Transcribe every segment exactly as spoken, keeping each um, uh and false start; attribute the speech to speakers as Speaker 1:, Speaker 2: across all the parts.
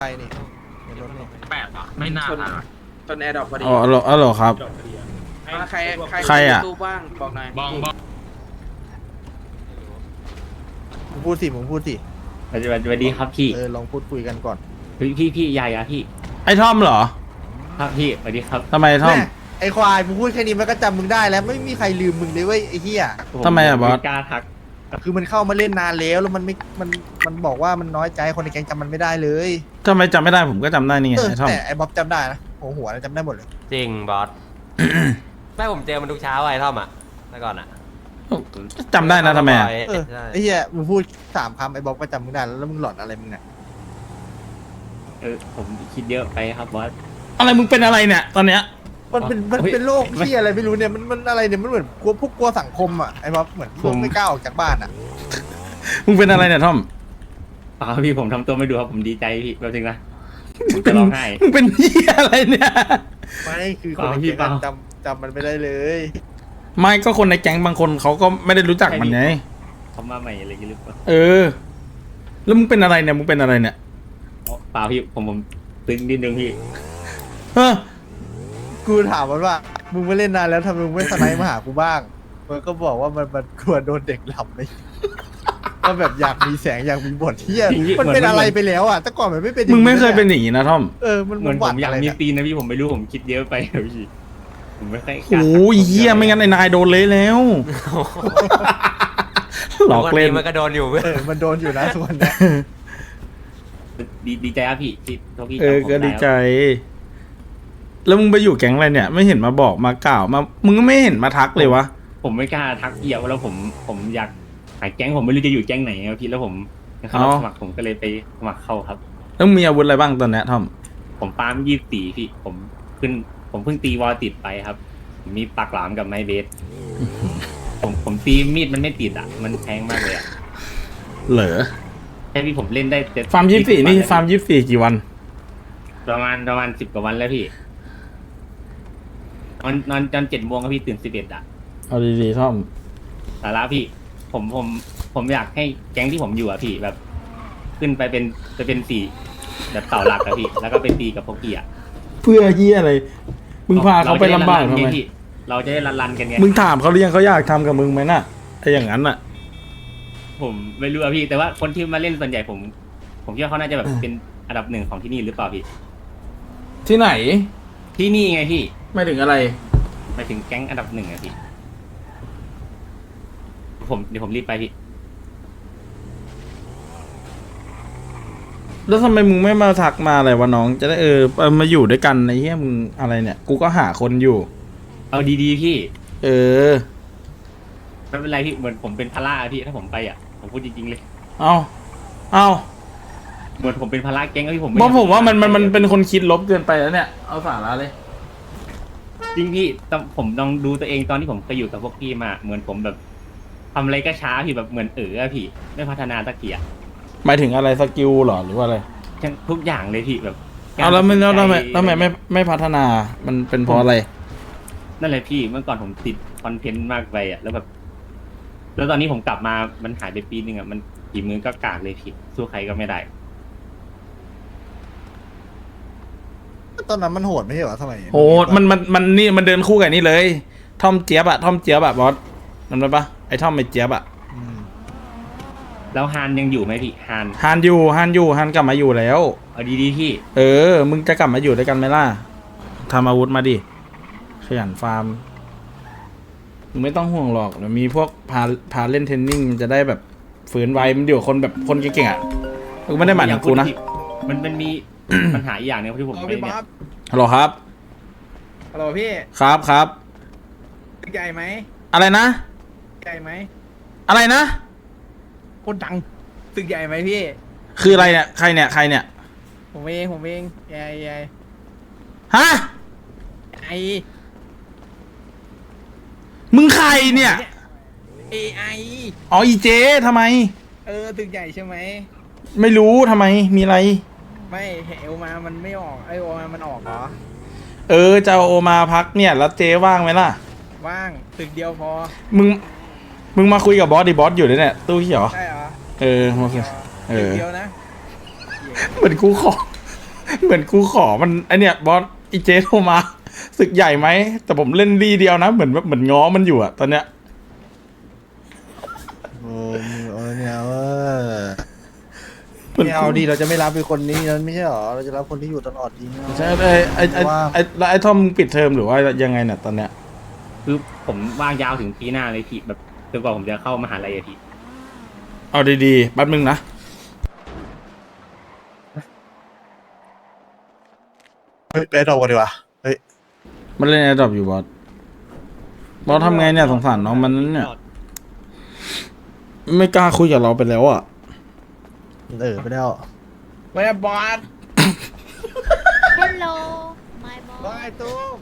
Speaker 1: ไปนี่ในรถนี่
Speaker 2: แปดอ่ะไม่น่าทันว่ะ
Speaker 3: จนแอร์ดรอปพอดี
Speaker 4: อ๋อเหรออ๋อเหรอครับ
Speaker 3: มาใครใคร
Speaker 4: ใครอะ
Speaker 3: ตู้บ้างบอกหน่อย
Speaker 2: บองบอง
Speaker 1: มึงพูดสิมึงพูดสิ
Speaker 5: สวัสดีสวัสดีครับพี่
Speaker 1: เออลองพูดคุยกันก่อน
Speaker 5: พี่พี่พี่ใหญ่อะพี่
Speaker 4: ไอ้ท่อมเหรอ
Speaker 5: ครับพี่สวัสดีครับ
Speaker 4: ทำไมท่อม
Speaker 1: แม่ไอควายมึงพูดแค่นี้มันก็จำมึงได้แล้วไม่มีใครลืมมึงเลยเว้ยไอ้เหี้ย
Speaker 4: ทำไมอะบอส
Speaker 5: กล้าทัก
Speaker 1: คือมันเข้ามาเล่นนานแล้วแล้วมันไม่มันมันบอกว่ามันน้อยใจคนในแก๊งจำมันไม่ได้เลย
Speaker 4: ทำไมจำไม่ได้ผมก็จำได้นี่ไง
Speaker 1: เออ
Speaker 4: ไอ้ท่อม
Speaker 1: แต่ไอ้บ๊อบจำได้นะหัวหัวนะจำได้หมดเลย
Speaker 6: จริงบอส ไม่ผมเจอมันทุกเช้าไอ้ท่อมอ่ะเมื่อก่อนอ่ะ
Speaker 4: จำได้นะทำไมอะ
Speaker 1: เออ
Speaker 6: ใช่
Speaker 1: ไอ้เหี้ยมึงพูดสามคำไอ้บ๊อบก็จำมึงได้แล้วแล้วมึงหลอนอะไรมึงเนี่ย
Speaker 5: เออผมคิดเยอะไปครับบอส
Speaker 4: อะไรมึงเป็นอะไรเนี่ยตอนเนี้ย
Speaker 1: มันเป็นมัน
Speaker 5: เฮ้ย
Speaker 1: เป็นโรคที่อะไรไม่รู้เนี่ยมันมันอะไรเนี่ยมันเหมือนกลัวพวกกลัวสังคมอ่ะไอ้บ๊อบเหมือนพวกไม่กล้าออกจากบ้านอ่ะ
Speaker 4: มึงเป็นอะไรเนี่ยท่อม
Speaker 5: เปล่าพี่ผมทำตัวไม่ดูครับผมดีใจพี่แป๊บนึงนะผมจะร้องไห้
Speaker 4: มึงเป็นเหี้ยอะไรเนี่ย
Speaker 1: ไม่คือคนใน
Speaker 5: เปล่าพี่
Speaker 1: แก๊ง
Speaker 5: เป
Speaker 1: อะ
Speaker 5: ล่า
Speaker 1: จำจำมันไม่ได้เลย
Speaker 4: ไม่ก็คนในแก๊งบางคนเขาก็ไม่ได้รู้จักมันไง
Speaker 5: เขามาใหม่อะไรกันหรือเปล่า
Speaker 4: เออ แล้วมึงเป็นอะไรเนี่ยมึงเป็นอะไรเนี่ย
Speaker 5: อ๋อเปล่าพี่ผมผมตึงนิดนึงพี่
Speaker 1: เฮ้อกูถามมันว่ามึงไม่เล่นนานแล้วทำไมมึงไม่สไนป์มาหากูบ้างมันก็บอกว่ามันมันกลัวโดนเด็กหลับเลยก็แบบอยากมีแสงอยากมีบทที่มันเป็นอะไรไปแล้วอ่ะแต่ก่อนมันไม่เป็นอาง
Speaker 4: มึงไม่เคยเป็นอย่างนี้นะท่อม
Speaker 1: เออมัน
Speaker 5: เหมือน
Speaker 1: ห
Speaker 5: ผ
Speaker 1: วัด
Speaker 5: มอยาก
Speaker 1: อะไร
Speaker 5: มี
Speaker 1: เนี่ย
Speaker 5: ตีนนะพี่ผมไม่รู้ผมคิดเยอะไปครับพี่ผมไม่ค่อยกล้า
Speaker 4: โอ้ย
Speaker 5: ทัก
Speaker 4: เหี้ยไม่งั้นไอ้นายโดนเละแล้ว หลอกเล่น
Speaker 6: วันนี้มันก็โดนอยู่เพื่อน
Speaker 1: เออมันโดนอยู่นะส่วนเนี้ย
Speaker 5: ดีดีใจครับพี่ที่ที่พี่
Speaker 4: เออ
Speaker 5: จำผม
Speaker 4: ก็
Speaker 5: ไ
Speaker 4: ดีใจ แล้วมึงไปอยู่แก๊งอะไรเนี่ย ไม่เห็นมาบอกมากล่าวมา มึงก็ไม่เห็นมาทักเลยวะ
Speaker 5: ผมไม่กล้าทักเอี่ยวแล้วผมผมอยากหาแก๊งผมไม่รู้จะอยู่แก๊งไหนครับพี่แล้วผมเขา
Speaker 4: อ๋อ
Speaker 5: สมัครผมก็เลยไปสมัครเข้าครับ
Speaker 4: แล้วมึงมีอาวุธอะไรบ้างตอนเนี้ยท่อม
Speaker 5: ผมปาล์มยี่สิบสี่พี่ผมขึ้น ผมเพิ่งตีวอลติดไปครับผมมีปากหลามกับไม้เบส ผมผมตีมีดมันไม่ติดอ่ะ มันแพงมากเลยอ่ะ
Speaker 4: เหรอ
Speaker 5: แค่พี่ผมเล่นได้เจ็ด
Speaker 4: ฟาร์มยี่สิบสี่นี่
Speaker 5: วันแล้ว
Speaker 4: ฟาร์มยี่สิบสี่กี่วัน
Speaker 5: ประมาณประมาณสิบกว่าวันแล้วพี่นอนนอนจนเจ็ดโมงครับพี่ตื่นสิบเอ็ดอ่ะ
Speaker 4: เอาดีๆท่อม
Speaker 5: สาระพี่ ผมผมผมอยากให้แก๊งที่ผมอยู่อ่ะพี่แบบ ขึ้นไปเป็นจะเป็นสี่แบบเต่าหลักอะพี่ แล้วก็ไปตีกับพวกพี่อ่ะ
Speaker 4: เพื่อเฮียอะไร มึงพาเขาไปลำบากทำไม
Speaker 5: เราจะได้รันๆกันไง
Speaker 4: มึงถามเขาหรือยังเขาอยากทำกับมึงไหมน่ะไอ้อย่างนั้นน่ะ
Speaker 5: ผมไม่รู้อะพี่ แต่ว่าคนที่มาเล่นส่วนใหญ่ผม ผมคิดว่าเขาน่าจะแบบเป็นอันดับหนึ่งของที่นี่หรือเปล่าพี่
Speaker 4: ที่ไหน
Speaker 5: ที่นี่ไงพี่
Speaker 4: ไม่ถึงอะไร
Speaker 5: หมายถึงแก๊งอันดับหนึ่งอะพี่ ผมเดี๋ยวผมรีบไปพี่
Speaker 4: แล้วทำไมมึงไม่มาทักมาอะไรวะน้อง จะได้เออเออมาอยู่ด้วยกันไอ้เหี้ยมึงอะไรเนี่ย กูก็หาคนอยู่
Speaker 5: เอาดีๆพี่
Speaker 4: เออ
Speaker 5: ไม่เป็นไรพี่เหมือนผมเป็นภาระอะพี่ถ้าผมไปอะผมพูดจริงๆเลย
Speaker 4: เอาเอา
Speaker 5: เหมือนผมเป็นภาระแก๊งอะพี่ผม
Speaker 4: เพราะผมว่ามันมันมันเป็นคนคิดลบเกินไปแล้วเนี่ย เอาสาระเลย
Speaker 5: จริงพี่ต้องผมลองดูตัวเองตอนที่ผมเคยอยู่กับพวกพี่มา เหมือนผมแบบทำอะไรก็ช้าพี่แบบเหมือนเอออะพี่ ไม่พัฒนาสักทีอะ
Speaker 4: หมายถึงอะไรสกิลเหรอหรือว่าอะไร
Speaker 5: ทุกอย่างเลยพี่แบบ
Speaker 4: เอาแล้วไม่แล้วทำไม
Speaker 5: การตัดสินใจ
Speaker 4: ทำไมไม่ไม่พัฒนา มันเป็นเพราะอะไร
Speaker 5: นั่นแหละพี่เมื่อก่อนผมติดคอนเทนต์มากไปอ่ะแล้วแบบ แล้วตอนนี้ผมกลับมามันหายไปปีนึงอ่ะมันกี่มือก็กากเลยพี่สู้ใครก็ไม่ได้
Speaker 1: ตอนนั้นมันโหดไม่ใช่เหรอทำไม
Speaker 4: โหมันมันมันนี่มันเดินคู่กับนี่เลย ทอมเจี๊ยบอะทอมเจี๊ยบอะบอสนั่นไหมปะไอ้ทอมไอ้เจี๊ยบอะ
Speaker 1: อืม
Speaker 5: แล้วฮานยังอยู่ไหมพี่ฮาน
Speaker 4: ฮานอยู่ฮานอยู่ฮานกลับมาอยู่แล้ว
Speaker 5: เอาดีๆพี่
Speaker 4: เออ มึงจะกลับมาอยู่ด้วยกันไหมล่ะทำอาวุธมาดิ ขยันฟาร์ม มึงไม่ต้องห่วงหรอกเดี๋ยวมีพวกพาพาเล่นเทรนนิ่งจะได้แบบฝืนไวมันเดี๋ยวคนแบบคนเก่งๆอ่ะมึงไม่ได้หมายถึงกูนะ
Speaker 5: มันมันมี ปัญหาอีกอย่างหนึงที่ผม
Speaker 3: เอา
Speaker 5: ไม่
Speaker 3: พี่บ๊
Speaker 5: เนี่
Speaker 3: อย บ
Speaker 4: ฮัลโหลครับ
Speaker 3: ฮัลโหลพี่
Speaker 4: ครับครับ
Speaker 3: ตึกใหญ่ไหม
Speaker 4: อะไรนะ
Speaker 3: ใหญ่ไหม
Speaker 4: อะไรนะ
Speaker 3: โคตรดังตึกใหญ่ไหมพี่
Speaker 4: คืออะไรเนี่ย ใครเนี่ย ใครเนี่ย
Speaker 3: ผมเองผมเองใหญ่ใหญ่
Speaker 4: ฮะ
Speaker 3: ไอ
Speaker 4: มึงใครเนี่ย
Speaker 3: เอไอ
Speaker 4: อ๋ออีเจทำไม
Speaker 3: เออตึกใหญ่ใช่ไหม
Speaker 4: ไม่รู้ทำไม มีอะไร
Speaker 3: ไม่เอวมามันไม่ออกไอโอมามันออกเหรอ
Speaker 4: เออจะเอาโอมาพักเนี่ย แล้วเจว่างไหมล่ะ
Speaker 3: ว่างตึกเดียวพอ
Speaker 4: มึง มึงมาคุยกับบอสดิบอสอยู่ด้วยเนี่ย ตู้เขียว
Speaker 3: ใช่เหรอ
Speaker 4: เออมาคุยเอ
Speaker 3: ตึก
Speaker 4: อ
Speaker 3: เดียวนะ
Speaker 4: เหมือนกูขอเหมือนกูขอมันไอเนี่ยบอสอีเจโทรมาศึกใหญ่ไหมแต่ผมเล่นดีเดียวนะเหมือนแบบเหมือนง้อมันอยู่อะตอนเนี้ย
Speaker 1: โอ้มึงเอาเนี่ยเออ
Speaker 4: เหมือน
Speaker 1: ไม่เอาดีเราจะไม่รับเป็นคนนี้นั้นไม่ใช่หรอเราจะรับคนที่อยู่ตลอดดีไม่เอา
Speaker 4: ใช่ไอไอไอไอแล้วไอทอมปิดเทอมหรือว่ายังไงเนี่ยตอนเนี้ย
Speaker 5: คือผมว่างยาวถึงปีหน้าเลยพี่แบบจนกว่าผมจะเข้ามหาลัยอะพี่
Speaker 4: เอาดีๆแป๊บนึงนะ
Speaker 1: เฮ้ยไปดอกกันดีกว่าเฮ้ย
Speaker 4: มันเล่นแอร์ดรอปอยู่บอสบอสทำไงเนี่ยสงสารน้องมันเนี่ยไม่กล้าคุยกับเราไปแล้วอ่ะ
Speaker 1: เออไปแล้ว
Speaker 3: ไม่บอส
Speaker 7: Hello my boy
Speaker 1: ว้ายตุ้ม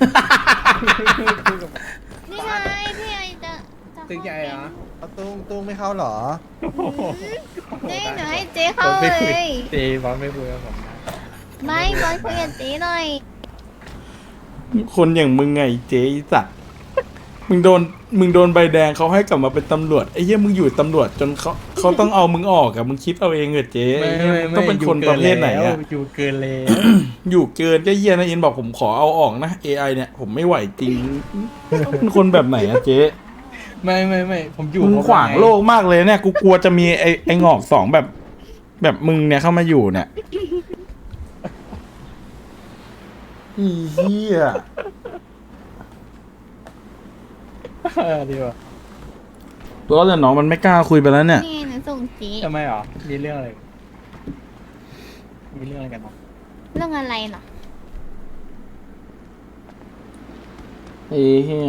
Speaker 7: นี่ไงพี่ไอจะจะ
Speaker 3: ตึกใหญ่เหรอ
Speaker 1: เอาตุ้มตุ้มไม่เข้าหรอ
Speaker 7: นี่หนูให้เจ๊เข้าเลย
Speaker 3: เจบอสไม่คุยกับผมนะ
Speaker 7: ไม่บอลคุยกับเจ๊หน่อย
Speaker 4: คนอย่างมึงไงเจ๊ไอ้สัตว์มึงโดนมึงโดนใบแดงเขาให้กลับมาเป็นตำรวจไอ้เหี้ยมึงอยู่ตำรวจจนเขาเขาต้องเอามึงออกอะมึงคิดเอาเองเหรอเจ๊
Speaker 3: ไม่
Speaker 4: ไอ้เหี้ย
Speaker 3: ไม่
Speaker 4: มึง
Speaker 3: ไม่
Speaker 4: ต้องเป็นคนประเภทไหนอะ
Speaker 3: อยู่เกินแล้ว
Speaker 4: อยู่เกินก็เหี้ยนะอินบอกผมขอเอาออกนะ เอ ไอ เนี่ยผมไม่ไหวจริงต้องเป็นคนแบบไหนอะเจ๊
Speaker 3: ไม่ไม่ไม่ผมอยู่
Speaker 4: มึงขวางโลกมากเลยเนี่ยกูกลัวจะมีไอ้ไอ้งอกสองแบบ แบบมึงเนี่ยเข้ามาอยู่เนี่ยอีเหี้ย
Speaker 3: เออดีว่ะ
Speaker 4: ตัวแต่น้องมันไม่กล้าคุยไปแล้วเนี่ย
Speaker 7: นี่หนูส่งเจ๊
Speaker 3: ทำไมหรอมีเรื่องอะไรมีเรื่องอะไรกันเนาะ
Speaker 7: เรื่องอะไรเหรอ
Speaker 4: ไอ้เหี้ย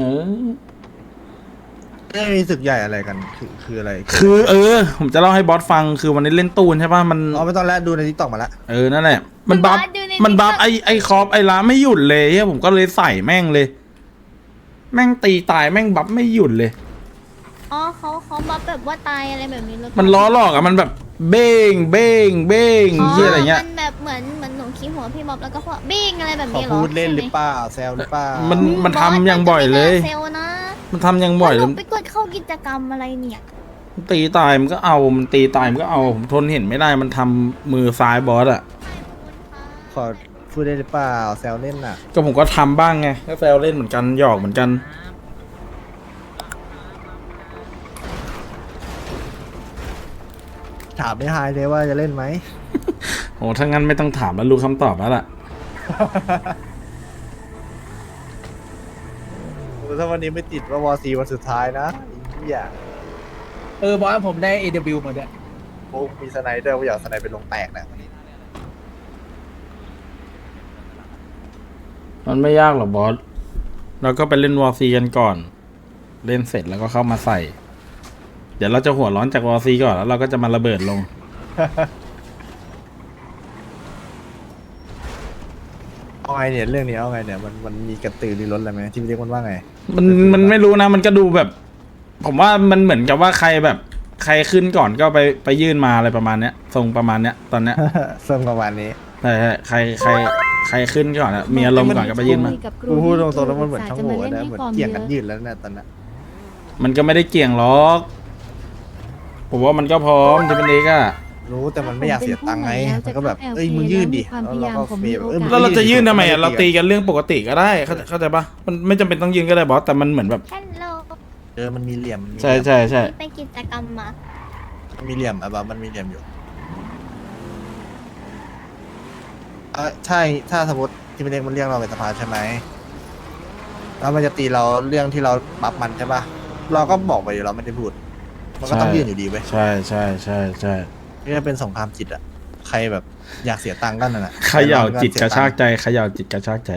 Speaker 1: ไม่มีศึกใหญ่อะไรกันคือคืออะไร
Speaker 4: คือ เออ ผมจะเล่าให้บอสฟังคือวันนี้เล่นตูนใช่ป่ะมัน
Speaker 1: อ๋อไม่ต้องแล้วดูในทิกตอกมาละ
Speaker 4: เออนั่นแหละ มันบัฟมันบัฟไอไอคอปไอล้าไม่หยุดเลยเฮียผมก็เลยใส่แม่งเลย แม่งตีตายแม่งบัฟไม่หยุดเลย
Speaker 7: อ๋อเขาเขาบัฟแบบว่าตายอะไรแบบนี้หรือเปล่า
Speaker 4: มันล้อหลอกอะมันแบบเบ้งเบ้งเบ้งเฮียอะไรเงี้ย
Speaker 7: มันแบบเหมือนเหมือนหนูขี้หัวพี่บ๊อบแล้วก็พวกบิ้งอะไรแบบ
Speaker 1: ขอ
Speaker 7: นี้เหรอ
Speaker 1: พูดเล่นห
Speaker 7: ใช่
Speaker 1: รือ
Speaker 7: ไม
Speaker 1: เปล่าแซวหรือเปล่า
Speaker 4: มัน
Speaker 7: อื
Speaker 4: มันทำอย่างบ่อยเลย
Speaker 7: บสมันจะไม่น่าเซลล์นะ
Speaker 4: มันทำอย่างบ่อย
Speaker 7: แล้
Speaker 4: เล
Speaker 7: วย หนูไปกดเข้ากิจกรรมอะไรเนี่ย
Speaker 4: มันตีตายมันก็เอามันตีตายมันก็เอาผมทนเห็นไม่ได้มันทำมือซ้ายบอสอะ
Speaker 1: ขอพูดได้หรือเปล่าแซวเล่นน่ะ
Speaker 4: ก็ผมก็ทำบ้างไงก็แซวเล่นเหมือนกันหยอกเหมือนกัน
Speaker 1: ถามไม่หายเลยว่าจะเล่นไหม
Speaker 4: โอ้ถ้างั้นไม่ต้องถามแล้วรู้คำตอบแล้วล่ะ
Speaker 1: โอ้ถ้าวันนี้ไม่ติดว่าวอซีวันสุดท้ายนะไอ้เหี้ย
Speaker 3: เออบอสผมได้ เอ ดับเบิลยู มาด้วย
Speaker 1: โอ้มีสไนเดอร์กูอยากสไนเป็นลงแตกนะวันนี้
Speaker 4: มันไม่ยากหรอกบอส เราก็ไปเล่นวอร์ซีกันก่อน เล่นเสร็จแล้วก็เข้ามาใส่ เดี๋ยวเราจะหัวร้อนจากวอร์ซีก่อนแล้วเราก็จะมาระเบิดลง
Speaker 1: เอาไงเนี่ยเรื่องนี้เอาไงเนี่ยมันมันมีกระตือรือร้นอะไรไหมที่พี่เรียกมันว่าไง
Speaker 4: มันมันไม่รู้นะ มันก็ดูแบบ ผมว่ามันเหมือนกับว่าใครแบบ ใครขึ้นก่อนก็ไปไปยื่นมาอะไรประมาณเนี้ยทรงประมาณเนี้ยตอนเนี้ย
Speaker 1: เริ่มประมาณนี้
Speaker 4: ใช่ใช่ใครใครใครขึ้นก่อนอะมีอารมณ์ก่อนก็ไปยื่นมา
Speaker 1: กูพูดตรงๆแล้วมันเหมือนช่างโหว่นะเหมือนเกี่ยงกันยืดแล้วนะตอนนั้น
Speaker 4: มันก็ไม่ได้เกี่ยงหรอก ผมว่ามันก็พร้อมที่เป็นเอกอะ
Speaker 1: รู้แต่มันไม่อยากเสียตังค์ไงมันก็แบบเอ้ยมึงยื่นดิแล้วเราก็เฟย์แบบเอ้ยมึง
Speaker 4: แล้วเราจะยื่นทำไมอะเราตีกันเรื่องปกติก็ได้เข้าเข้าใจปะมันไม่จำเป็นต้องยื่นก็ได้บอสแต่มันเหมือนแบบ
Speaker 7: ฮัลโหล
Speaker 1: เออมันมีเหลี่ยมมันมี
Speaker 4: ใช่ใช่ใช่
Speaker 7: ไปกิจกรรมมา
Speaker 1: มันมีเหลี่ยมอะแบบมันมีเหลี่ยมอยู่เออใช่ถ้าสมมติที่มันเรียกมันเรียกเราไปสภาใช่ไหมแล้วมันจะตีเราเรื่องที่เราปรับมันใช่ปะเราก็บอกไปอยู่เราไม่ได้พูด มันก็ต้องยื่นอยู่ดีเว้ย
Speaker 4: ใช่ใช่ใช่ใช่
Speaker 1: นี่จะเป็นสงครามจิตอะใครแบบอยากเสียตังค์ก็นั่นแหละ
Speaker 4: เขย่าจิตกระชากใจเขย่าจิตกระชากใจ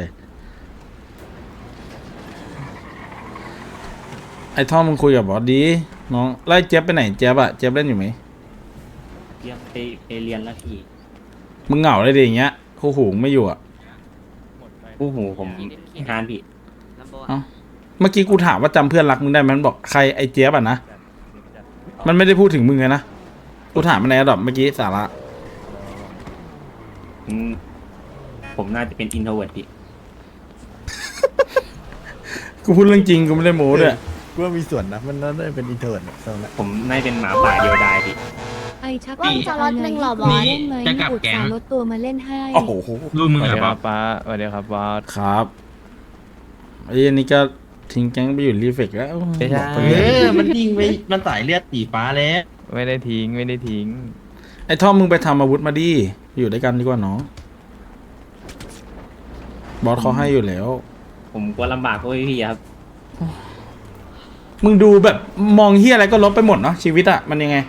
Speaker 4: ไอ้ท่อมมึงคุยกับบอสดีน้องไล่เจี๊ยบไปไหนเจี๊ยบอะเจี๊ยบเล่นอยู่ไหม
Speaker 5: เรียนไปไปเรียนแล้วพี่
Speaker 4: มึงเหงาเลยดิอย่างเงี้ยคู่หูไม่อยู่อะ
Speaker 5: ผู้หูผมฮานพี่
Speaker 4: เอ้าเมื่อกี้กูถามว่าจำเพื่อนรักมึงได้ไหมมันบอกใครไอ้เจี๊ยบอะนะมันไม่ได้พูดถึงมึงเลยนะกูถามมันในระดับเมื่อกี้สาระ
Speaker 5: อืมผมน่าจะเป็นอินโทรเวิร์ดพี่
Speaker 4: กูพูดเรื่องจริงกูไม่ได้โม้ด้วย
Speaker 1: กูว่ามีส่วนนะมันน่าจะเป็นอินเทอร์เน็ตตรงนั้น
Speaker 5: ผมน่าจะเป็นหมาป่าเดียวดายพี่
Speaker 8: ไอชัก
Speaker 7: ว่าสล็อตหนึ่งเหรอบอส
Speaker 8: เล่นไหม
Speaker 2: จะกลับ
Speaker 8: อุต
Speaker 2: แก๊ง
Speaker 8: ส่าห์ลดตัวมาเล่นให้
Speaker 4: โอ้โห
Speaker 2: รูปมึงเหรอป๊อป
Speaker 3: ป้าสวัสดีครับบอส
Speaker 4: ครับไอ้อันนี้ก็ทิ้งแก๊งไปอยู่รีเฟกแล้ว
Speaker 3: ไม่ใช่
Speaker 4: บอกไป
Speaker 2: เอ
Speaker 4: เลย
Speaker 2: อมันยิงไปมันสายเลือดสีฟ้าแล้ว
Speaker 3: ไม่ได้ทิ้งไม่ได้ทิ้ง
Speaker 4: ไอ้ท่อมมึงไปทำอาวุธมาดิอยู่ด้วยกันดีกว่าน้องบอสเขาให้อยู่แล้ว
Speaker 5: ผมกลัวลำบากพวกพี่ๆครับ
Speaker 4: มึงดูแบบมองเฮียอะไรก็ลบไปหมดเนาะชีวิตอะมันยังไง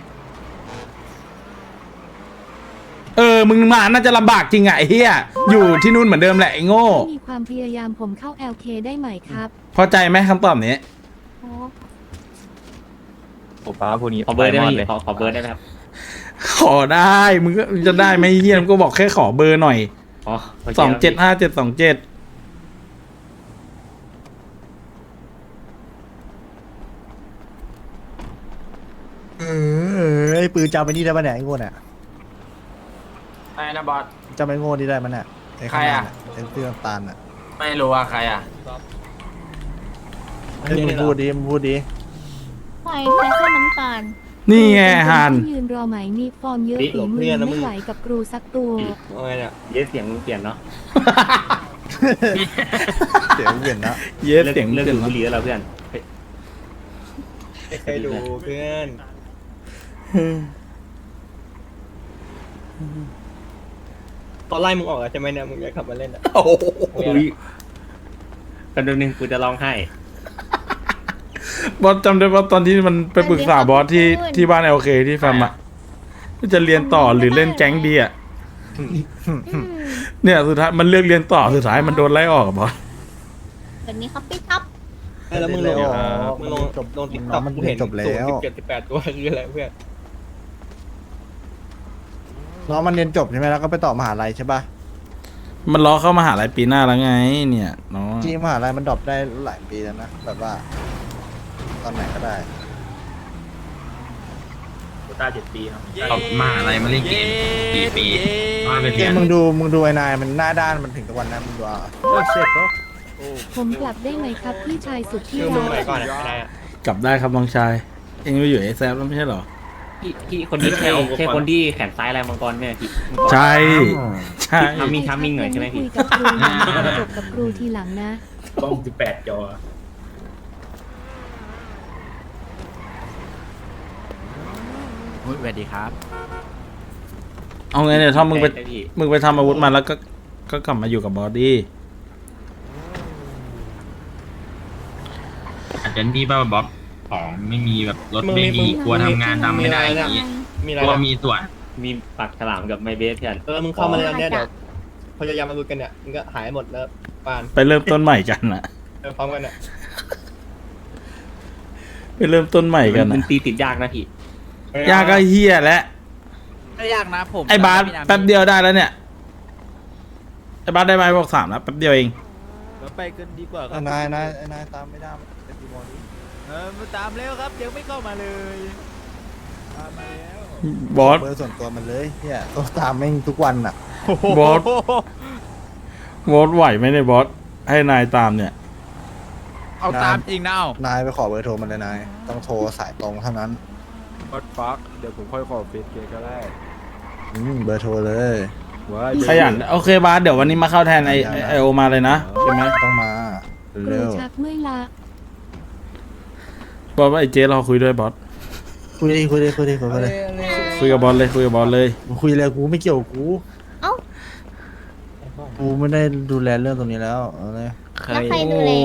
Speaker 4: เออ มึงมาน่าจะลำบากจริงอะไอ้เฮียอยู่ที่นู่นเหมือนเดิมแหละไอ้โง่
Speaker 8: ถ้ามีความพยายามผมเข้า แอล เค ได้ไหมครับ
Speaker 4: พอใจไหมคำตอบนี้
Speaker 7: โอ้
Speaker 3: โอ้ป้าพวกนี้
Speaker 5: ขอเบอร์ได้ไหม
Speaker 3: ป
Speaker 5: พี่
Speaker 3: เลย
Speaker 5: ขอขอเบอร์ได้ไหมครับ
Speaker 4: ขอได้มึงก็จะได้ไหมเฮียมึงก็บอกแค่ขอเบอร์หน่อย
Speaker 5: อ๋อโค
Speaker 4: สองเจ็ด
Speaker 5: ครับ
Speaker 4: ห้าเจ็ดสองเจ็ด
Speaker 1: เออไอ้ปืนจำไปนี่ได้ปะเนี่ยไอ้โง่เนี่ย
Speaker 6: ไอ้นะบอส
Speaker 1: จำไอ้โง่นี่ได้ปะเนี่ยไอ้ข้างหน้าเนี่ยไอ้เสื้อน้ำตาลอ่ะ
Speaker 6: ไม่รู้ว่าใครอ่ะ
Speaker 1: เฮ้ยมึงพูดดิมึงพูดดิ
Speaker 7: ใครใครเสื้อน้ำตาล
Speaker 4: นี่ไงฮาน
Speaker 8: ยืนรอไหมมีฟอร์มเยอะฝีมือไม่ไหวกับครูสักตัว
Speaker 5: เยสเสียงมึงเปลี่ยนเนาะ
Speaker 1: เสียงเปลี่ยนนะ
Speaker 4: เย็ดเสียง
Speaker 5: เลิก
Speaker 4: เสีย
Speaker 5: ดู
Speaker 4: ง
Speaker 5: บุหรี่แล้วเราเพื่อนเฮ้ย
Speaker 3: เคยดูเพื่อนตอนไล่มึงออกอะใช่ไหมเนี่ยมึงจะขับมาเล่นอะ
Speaker 4: โอ้โห
Speaker 5: อุ๊ยกันดูนึงกูจะร้องไห้
Speaker 4: บอสจำได้ว่าตอนที่มันไปปรึกษาบอสที่ที่บ้านเอลเคที่แฟมอะจะเรียนต่อหรือเล่นแก๊งดีอะ
Speaker 7: อืม
Speaker 4: เนี่ยสุดท้ายมันเลือกเรียนต่อสุดท้ายมันโดนไล่ออกอะบอส
Speaker 7: แบบนี้ครับพี่ครับ
Speaker 3: แล้วมึงลง
Speaker 1: อ๋อ
Speaker 3: มึงลง
Speaker 1: จบ
Speaker 3: ลงติ๊ก
Speaker 1: น้
Speaker 3: ต็
Speaker 1: อ
Speaker 3: อง ก
Speaker 1: มัน
Speaker 3: กู
Speaker 1: เรี
Speaker 3: เห็
Speaker 1: ย
Speaker 3: น
Speaker 1: นจบแล้ว
Speaker 3: สิบเจ็ดสิบแปดตัวคืออะไรเพื่อน
Speaker 1: น้องมันเรียนจบใช่ไหมแล้วก็ไปต่อมหาลัยใช่ปะ
Speaker 4: มันล้อเข้ามหาลัยปีหน้าแล้วไง เนี่ยน้อง
Speaker 1: จริงมหาลัยมันดรอปได้หลายปีแล้วนะแบบว่า ตอนไหนก็ได้
Speaker 2: เอามาอะไรมาเล่นเกมกี่ปีมาเป็น
Speaker 1: เก
Speaker 2: เพื่อ
Speaker 1: ม
Speaker 2: น
Speaker 1: มึงดูมึงดูไอ้นายมันหน้าด้านมันถึงตะวันนะมึงดูอ่ะโอ้เช็ดเนาะ
Speaker 8: ผมกลับได้ไหมครับพี่ชายสุดที่
Speaker 3: คือมึง
Speaker 8: รั
Speaker 3: ไหน
Speaker 8: ก
Speaker 3: ก่อนอะไม่ได้อะ
Speaker 4: กลับได้ครับน้องชาย เองไปอยู่เอแซฟแล้วไม่ใช่เหรอ
Speaker 5: พี่พี่คนนี้ใช่ใช่คนที่แขนซ้ายลายมังกรไหมพี่
Speaker 4: ใช่ ใช่
Speaker 5: ทำมีทัมมิ่งหน่อยใช่ไหมพี่
Speaker 8: คุยกับครูนะจบกับครูทีหลังนะ
Speaker 2: ต้องสิบแปดจอ
Speaker 3: สวัสดีครับ
Speaker 4: เอาไงเนี่ยถ้ามึงไป
Speaker 5: ใช่พี่
Speaker 4: มึงไปทำอาวุธมาแล้วก็ก็กลับมาอยู่กับบอสดี้
Speaker 2: อาจจะมีป่ะบ๊อบของไม่มีแบบรถไม่มีกลัวทำงานดำไม่ได้อย่างนี้
Speaker 3: มีอะไร
Speaker 2: กลัว
Speaker 3: นะ
Speaker 2: มีส่วน
Speaker 5: มีปักฉลามกับไมเบสเพื่อน
Speaker 3: เออมึงเข้ามาเลยเนี่ยเดี๋ยวพยายามมาดูกันเนี่ยมึงก็หายหมดแล้วปาน
Speaker 4: ไปเริ่มต้นใหม่กันนะ
Speaker 3: เออพร้อมกันเนี่ย
Speaker 4: ไปเริ่มต้นใหม่กัน
Speaker 5: มั
Speaker 4: นะ
Speaker 5: นตีติดยากนะพี่
Speaker 4: ยากก็เฮียแล้ว
Speaker 3: ไม่ยากนะผม
Speaker 4: ไอ้บาสแป๊บเดียวได้แล้วเนี่ยไอ้บาสได้ไหมบอกสามแล้วแป๊บเดียวเอง
Speaker 3: ไปกันดีกว่าครั
Speaker 1: ไอ้
Speaker 3: บ
Speaker 1: นายนายไอ้นายตามไม่ได้มันเป็นดีมอลนี้
Speaker 3: เออมาตามแล้วครับยังไม่เข้ามาเลยตามมาแล้ว
Speaker 4: บอส
Speaker 1: เบอร์ส่วนตัวมันเลยเนี่ยต้องตามแม่งทุกวันอ่ะ
Speaker 4: บอส บอสไหวไหมเนี่ยบอสให้นายตามเนี่ย
Speaker 3: เอาตามจริงนะเอา
Speaker 1: นายไปขอเบอร์โทรมันเลยนายต้องโทรสายตรงเท่านั้น
Speaker 3: บอสฟักเดี๋ยวผมค่อยขอเฟซเกก็ได้
Speaker 1: อืมเบอร์โทรเลย
Speaker 3: ว้า
Speaker 4: ขยันโอเคบาสเดี๋ยววันนี้มาเข้าแทนไอไอ้ไอโอมาเลยนะใช่ไหม
Speaker 1: ต้องมา
Speaker 8: ครู
Speaker 1: เร็ว
Speaker 8: ชักเมื่อยละ
Speaker 4: บอสว่าไอเจรอคุยด้วยบอส
Speaker 1: คุยดิคุยดิคุยดิคุยดิ
Speaker 4: คุยกับบอสเลยคุยกับบอสเลย
Speaker 1: มึงคุยเลยกูไม่เกี่ยวกับกู
Speaker 7: เอ้า
Speaker 1: กูไม่ได้ดูแลเรื่องตรงนี้แล้วเอาเลย
Speaker 7: แล้วใครดูแล
Speaker 4: โอ้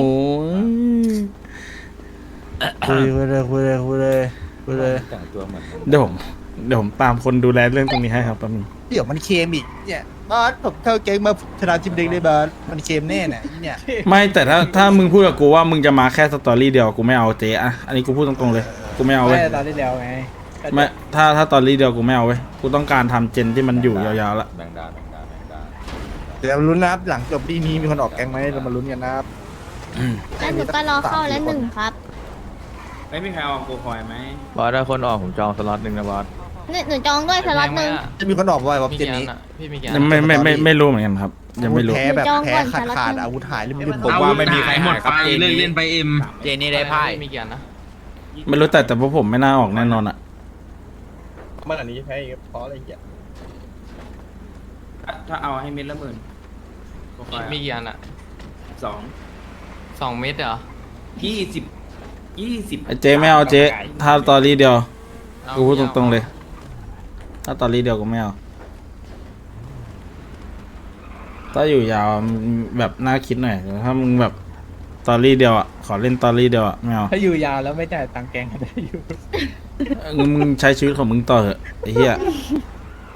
Speaker 4: ย
Speaker 1: คุยคุยเลยคุยเลยคุยเลยคุยเลย
Speaker 4: เดี๋ยวผมเดี๋ยวผมตามคนดูแลเรื่องตรงนี้ให้ครับแป๊บนึง
Speaker 1: เดี๋ยวมันเค็มอีกเนี่ยบอสผมเข้าเกมมาชนะทีมเด็กเลยบอสมันเค็มแน่เนี่ยเนี่ย
Speaker 4: ไม่แต่ถ้าถ้ามึงพูดกับกูว่ามึงจะมาแค่สตอรี่เดียวกูไม่เอาเจ๊อะอันนี้กูพูดตรงๆเลยกูไม่เอาเว้ย
Speaker 3: ไม่ตอนที่แล้วไง
Speaker 4: ไม่ถ้าถ้าตอรี่เดียวกูไม่เอาเว้ยกูต้องการทำเจนที่มันอยู่ยาวๆละ
Speaker 1: เดี๋ยวลุ้นนะครับหลังจบดีนี้มีคนออกแกงไหมเรามาลุ้นกันนะครับ
Speaker 7: แล้วหนูก็รอเข้าแล้วหนึ่งครับ
Speaker 2: ไม่มีใครเอาโกคอยไหม
Speaker 3: บอสถ้าคนออกผมจองสล็อตหนึ่งนะบอส
Speaker 7: หนูหนูจองด้วยสล็อตหนึ่ง
Speaker 1: จะมีคนออกบ่อยว่าเจนนี้
Speaker 4: ยังไม่ไม่ไม่ไม่รู้เหมือนกันครับ ยังไม่รู้
Speaker 1: แพ้แบบ
Speaker 7: จอง
Speaker 1: แพ้
Speaker 7: ก่อน
Speaker 1: ขาด
Speaker 7: สล็อต
Speaker 1: ขาด
Speaker 7: หนึ่ง
Speaker 1: อาวุธหายริมริม
Speaker 2: ผมว่าไม่มีใครหมดไปเลิกเล่นไปเอ็ม
Speaker 3: เจนี่ได้ไพ่
Speaker 6: มีเกียรตินะ
Speaker 4: ไม่รู้แต่แต่พวกผมไม่น่าออกแน่นอนอะ
Speaker 1: มันอันนี้แพ้อีกเพราะอะไรเงี้ย
Speaker 9: ถ้าเอาให้เม็ดละหมื่น
Speaker 6: มีกี่อันอะ
Speaker 9: สอง
Speaker 6: สองเม็ดเหรอ
Speaker 9: ยี่สิบยี่สิบ
Speaker 4: ไอ้เจ๊ไม่เอาเจ๊ถ้าตอรี่เดียว
Speaker 6: เอา
Speaker 4: กูพูดต
Speaker 6: ไม่
Speaker 4: รงๆ
Speaker 6: อา
Speaker 4: เลย ถ้าตอรี่เดียวก็ไม่เอาถ้าอยู่ยาวมันแบบน่าคิดหน่อยแต่ถ้ามึงแบบตอรี่เดียวอ่ะขอเล่นตอรี่เดียวอ่ะไม่เอา
Speaker 3: ถ้าอยู่ยาวแล้วไม่จ่ายตังค์แกงก็ได้อยู่
Speaker 4: เออมึงใช้ชีวิตของมึงต่อเถอะไอ้เหี้ย